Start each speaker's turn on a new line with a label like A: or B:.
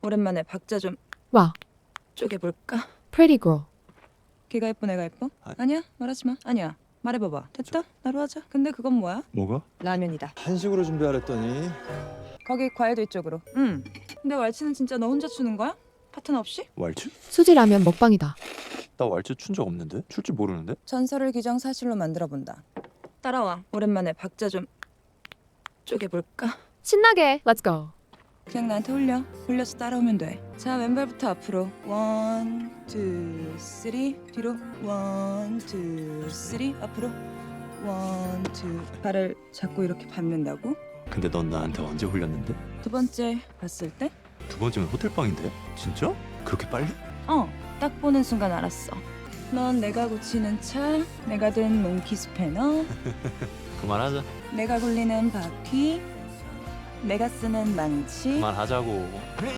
A: 오랜만에 박자 좀
B: 와,
A: 쪼개볼까?
B: pretty girl.
A: 걔가 예뻐 내가 예뻐? 아니야 말하지 마. 아니야 말해봐봐. 됐다 나로 하자. 근데 그건 뭐야?
C: 뭐가?
A: 라면이다.
C: 한식으로 준비하랬더니
A: 거기 과일도 이쪽으로. 응. 근데 왈츠는 진짜 너 혼자 추는 거야? 파트너 없이?
C: 왈츠?
B: 수지 라면 먹방이다.
C: 나 왈츠 춘 적 없는데? 출 줄 모르는데?
A: 전설을 기정사실로 만들어본다. 따라와. 오랜만에 박자 좀 쪼개볼까?
B: 신나게, let's go.
A: 그냥 나한테 홀려서 따라오면 돼. 자 왼발부터 앞으로 1, 2, 3 뒤로 1, 2, 3 앞으로 1, 2 발을 잡고 이렇게 밟는다고?
C: 근데 넌 나한테 언제 홀렸는데?
A: 두 번째 봤을 때?
C: 두 번째면 호텔방인데? 진짜? 그렇게 빨리?
A: 딱 보는 순간 알았어. 넌 내가 고치는 차, 내가 든 몽키 스패너,
C: 그만하자.
A: 내가 굴리는 바퀴, 내가 쓰는 망치.
C: 그만하자고.